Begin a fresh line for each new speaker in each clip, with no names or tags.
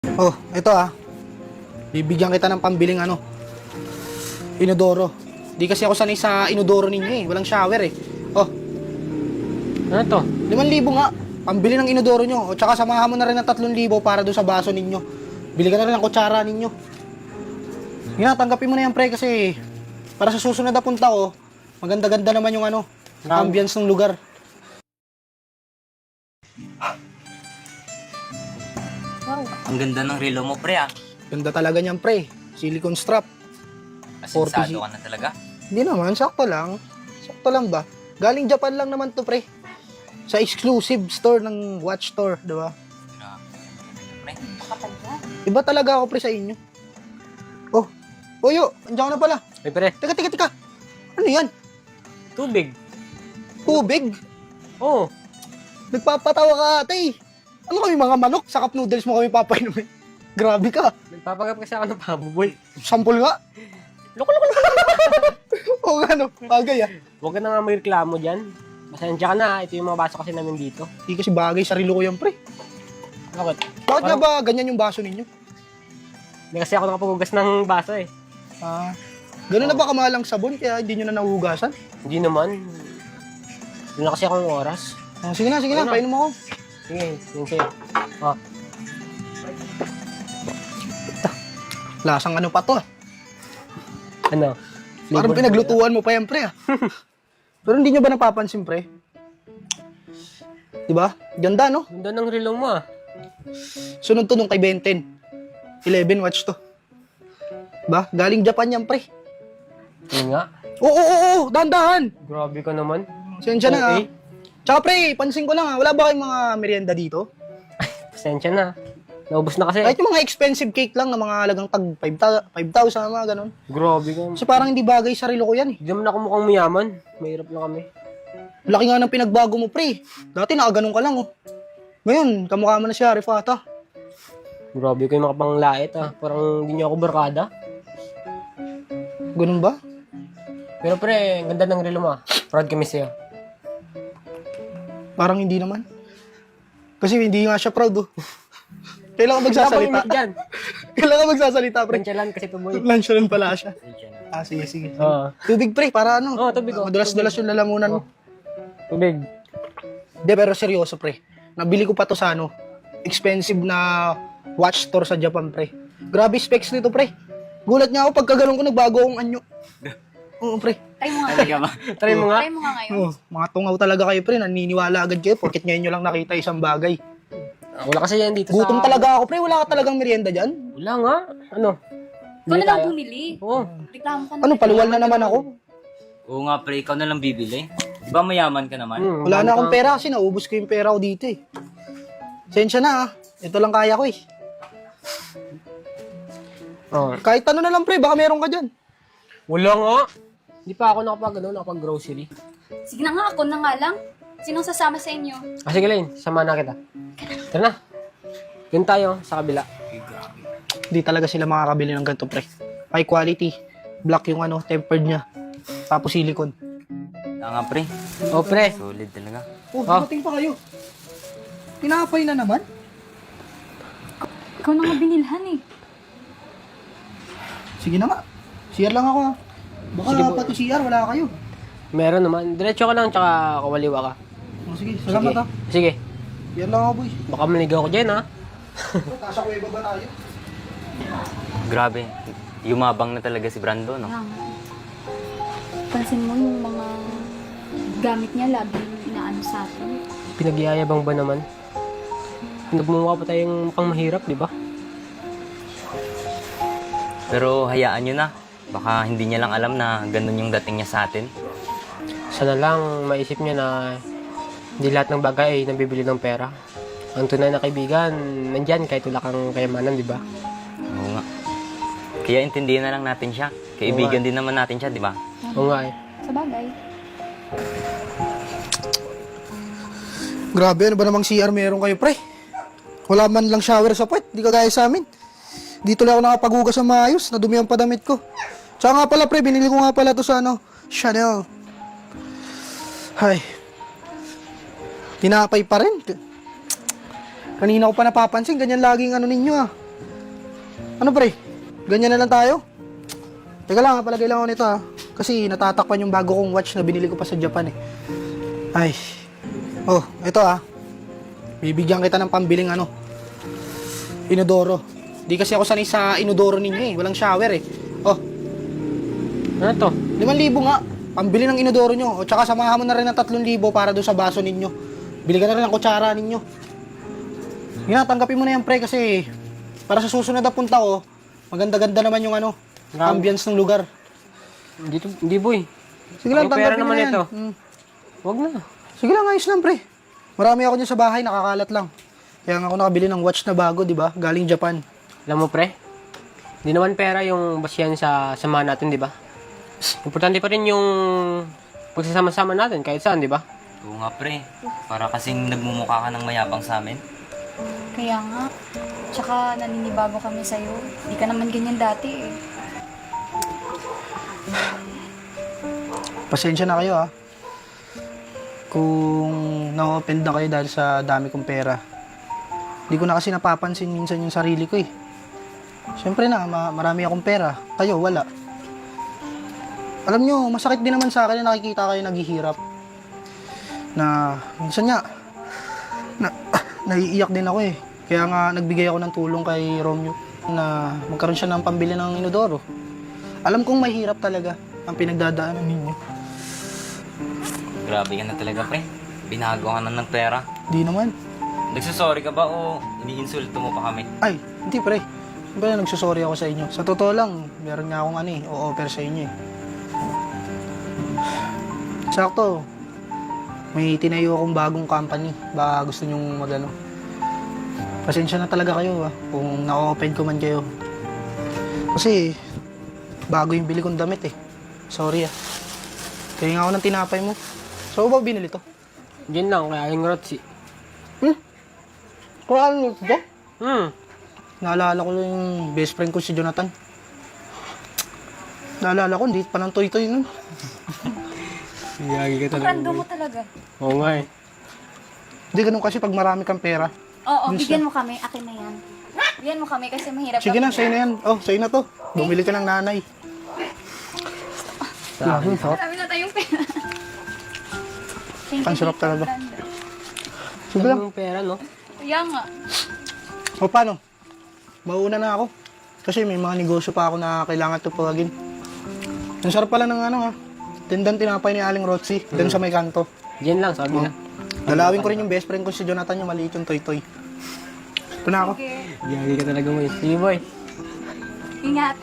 Oh, ito bibigyan kita ng pambiling inodoro. Di kasi ako sanay sa inodoro ninyo eh. Walang shower eh. Oh,
Ano to?
5,000 nga. Pambili ng inodoro nyo. O tsaka samahan mo na rin ng 3,000 para doon sa baso ninyo. Bili ka na rin ng kutsara ninyo. Nga, tanggapin mo na yan pre kasi para sa susunod na punta ko, maganda-ganda naman yung ambience ng lugar.
Wow.
Ang ganda ng relo mo, pre, ah.
Ganda talaga niyan pre. Silicone strap.
Asensado ka na talaga.
Hindi naman, sakto lang. Sakto lang ba? Galing Japan lang naman to pre. Sa exclusive store ng watch store, di ba?
Pre,
Kapal ka.
Iba talaga ako pre sa inyo. Oh, Oyo, andiyan ka na pala.
Ay, pre.
Teka. Ano yan?
Tubig.
Tubig?
Oo.
Nagpapatawa ka ate. Ano kami mga manok? Sa cup noodles mo kami papainumin. Grabe ka.
Nagpapagap kasi ako ng pabuboy.
Sampol nga.
Loko.
O bagay
Huwag ka na nga magreklamo dyan. Pasensya ka na. Ito yung mga baso kasi namin dito.
Hindi kasi bagay sa relo ko yan pre.
Bakit?
Bakit nga ba ganyan yung baso ninyo?
Hindi kasi ako nakapaghugas ng baso eh.
Ganun na ba kamahal ang sabon kaya hindi nyo na nahuhugasan?
Hindi naman. Hindi na kasi akong oras.
Sige na,
Ayun na.
painom ako.
Sige, yun sa'yo. Oh.
Lasang ano pa to
Ano?
Parang pinaglutuan mo pa yan pre Pero hindi nyo ba napapansin pre? Diba? Ganda no?
Ganda ng relo mo ah.
Sunod to nung kay Benten. 11 watch to. Ba? Galing Japan yan pre.
Yun nga.
Oo, dahan-dahan.
Grabe ka naman.
Sensya na
Okay.
Tsaka pre, pansin ko lang wala ba kayong mga merienda dito?
Pasensya na. Naubos na kasi.
Kahit yung mga expensive cake lang na mga halagang tag 5,000, mga ganun.
Grabe ka.
Kasi parang hindi bagay sa relo ko yan eh.
Hindi naman ako mukhang mayaman. Mahirap na kami.
Laki nga ng pinagbago mo pre. Dati nakaganon ka lang Ngayon, kamukha mo na siya, Rifata.
Grabe ko yung mga panglait ah. Parang hindi niyo ako barkada.
Ganun ba?
Pero pre, ang ganda ng relo mo ah. Proud kami sa'yo.
Parang hindi naman. Kasi hindi nga siya proud Kailangan magsasalita.
Dyan.
Kailangan magsasalita, pre.
Pranchalan kasi tuboy.
Lunch pala siya.
Pasensya na.
Sige.
Oo.
Tubig, pre, para
Tubig, oh.
Madulas-dulas yung lalamunan mo.
Tubig.
Hindi, pero seryoso, pre. Nabili ko pa to sa expensive na watch store sa Japan, pre. Grabe specs nito, pre. Gulat niya ako pagkaganon ko, nagbago akong anyo. Oo, pre.
Try mo nga.
Talaga ba?
Try mo nga.
Try mo nga ngayon.
Oo, mga tungaw talaga kayo, pre. Naniniwala agad kayo porket ngayon nyo lang nakita isang bagay.
Wala kasi yan dito
Gutom
sa...
talaga ako, pre. Wala ka talagang merienda dyan.
Wala nga. Ano?
Ikaw na lang
tayo?
bumili.
Oo.
Reklamo ka na.
Ano, paluwal na naman ako.
Oo nga, pre, ikaw na lang bibili. Di ba mayaman ka naman?
Wala na akong pera kasi naubos ko yung pera ko dito eh. Sensya na Ito lang kaya ko eh.
Oo.
Kahit ano na lang pre, baka meron ka dyan.
Wala nga. Hindi pa ako nakapag-grocery.
Sige na nga, ako na nga lang. Sinong sasama sa inyo?
Ah, sige Lane, sama na kita. Tara na. Yun tayo, sa kabila.
Hindi talaga sila makakabili ng ganito pre. High quality. Black yung tempered niya. Tapos silicone.
Nga, pre.
Oh, pre.
Solid talaga.
Oh, dumating pa kayo. Tinapay na naman.
Ikaw na nga binilhan eh.
Sige na nga. CR lang ako Baka
Sige po.
pati CR, wala kayo.
Meron naman. Diretso ka lang, tsaka kawaliwa ka.
Sige, salamat
Sige.
CR lang ako boy.
Baka maligaw ko dyan, ha?
Nasa kuweba ba tayo?
Grabe. Yumabang na talaga si Brando, no?
Lang. Pansin mo yung mga gamit niya, lagi inaano sa atin.
Pinagyayabang ba naman? Nagmumukha pa tayong mukhang mahirap, di ba?
Pero hayaan nyo na. Baka hindi niya lang alam na ganun yung dating niya sa atin.
Sana lang maisip niya na hindi lahat ng bagay ay nabibili ng pera. Ang tunay na kaibigan, nandyan kahit wala kang kayamanan, di ba?
Oo nga. Kaya intindihan na lang natin siya. Kaibigan din naman natin siya, di ba?
Oo nga eh.
Sa bagay.
Grabe, ano ba namang CR meron kayo pre? Wala man lang shower sa puwet, di kagaya sa amin. Dito lang ako nakapaghugas ng maayos, nadumihan pa damit ko. Tsaka nga pala pre, binili ko nga pala to sa Chanel. Hay. Tinapay pa rin. Kanina ko pa napapansin, ganyan laging ninyo Ano pre? Ganyan na lang tayo? Teka lang, palagay lang ako nito ha. Kasi natatakpan yung bago kong watch na binili ko pa sa Japan eh. Ay. Oh, ito ha. Bibigyan kita ng pambiling inodoro. Di kasi ako sanay sa inodoro ninyo eh. Walang shower eh. Oh,
Ano to?
5,000 nga. Pambili ng inodoro nyo. O tsaka samahan mo na rin ng 3,000 para doon sa baso ninyo. Bili ka na rin ng kutsara ninyo. Yun na, tanggapin mo na yan pre kasi para sa susunod na punta ko, maganda-ganda naman yung ambience ng lugar.
Hindi boy.
Sige lang,
Yung pera
tanggapin mo
naman
na yan.
ito.
Mm.
Wag na.
Sige lang, ayos lang pre. Marami ako dyan sa bahay, nakakalat lang. Kaya nga ako nakabili ng watch na bago, di ba? Galing Japan.
Alam mo pre, hindi naman pera yung basihan sa samahan natin, di ba? Importante pa rin yung pagsasama-sama natin kahit saan, di ba?
Oo nga pre, para kasing nagmumukha ka ng mayabang sa amin.
Kaya nga. Tsaka naninibago kami sa'yo. Di ka naman ganyan dati eh.
Pasensya na kayo ha. Kung na-offend na kayo dahil sa dami kong pera. Hindi ko na kasi napapansin minsan yung sarili ko eh. Siyempre na, marami akong pera. Kayo, wala. Alam nyo, masakit din naman sa akin na nakikita kayo naghihirap. Na, minsan nga, naiiyak din ako eh. Kaya nga, nagbigay ako ng tulong kay Romeo na magkaroon siya ng pambili ng inodoro. Alam kong mahirap talaga ang pinagdadaanan ninyo.
Grabe ka na talaga pre, binago ka na ng pera.
Di naman.
Nagsasorry ka ba o iniinsulto mo pa kami?
Ay, hindi pre. Siyempre nagsusorry ako sa inyo. Sa totoo lang, meron nga akong o-offer sa inyo eh. Sakto, may tinayo akong bagong company. Baka gusto nyong Pasensya na talaga kayo kung na-open ko man kayo. Kasi, bago yung bili kong damit eh. Sorry Kaya nga ako ng tinapay mo. So, ba binili to?
Diyan lang, kaya yung rotsi.
Kung ano ito? Naalala ko lang yung best friend ko si Jonathan. Naalala ko, hindi pa ng toy-toy nun.
Yagi ka
Ang random mo talaga.
Oo nga eh.
Hindi ganun kasi pag marami kang pera.
Oo, bigyan mo kami. Akin na yan. Bigyan mo kami kasi mahirap
Sige
kami.
na, sa'yo na yan. Oh, sa'yo na to. Bumili ka ng nanay. Grabe, sarap.
Marami na tayong pera. Thank you,
Ang sarap
tita.
talaga.
Ganda.
Sige lang.
Yung pera, no?
Kaya nga.
O paano? Mauuna na ako. Kasi may mga negosyo pa ako na kailangan tupagin. Ang sarap pala ng tindan tinapay ni Aling Rotsy. Doon sa may kanto.
Diyan lang, sabi na.
Dalawin ko rin yung best friend ko si Jonathan, yung maliit yung toy-toy. Ito na ako.
Okay.
Yagi ka talaga mo eh. Sige boy.
Ingat.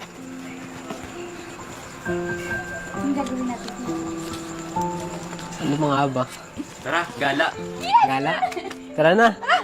Ang gagawin natin.
Ano mga aba?
Tara, gala!
Gala? Tara na.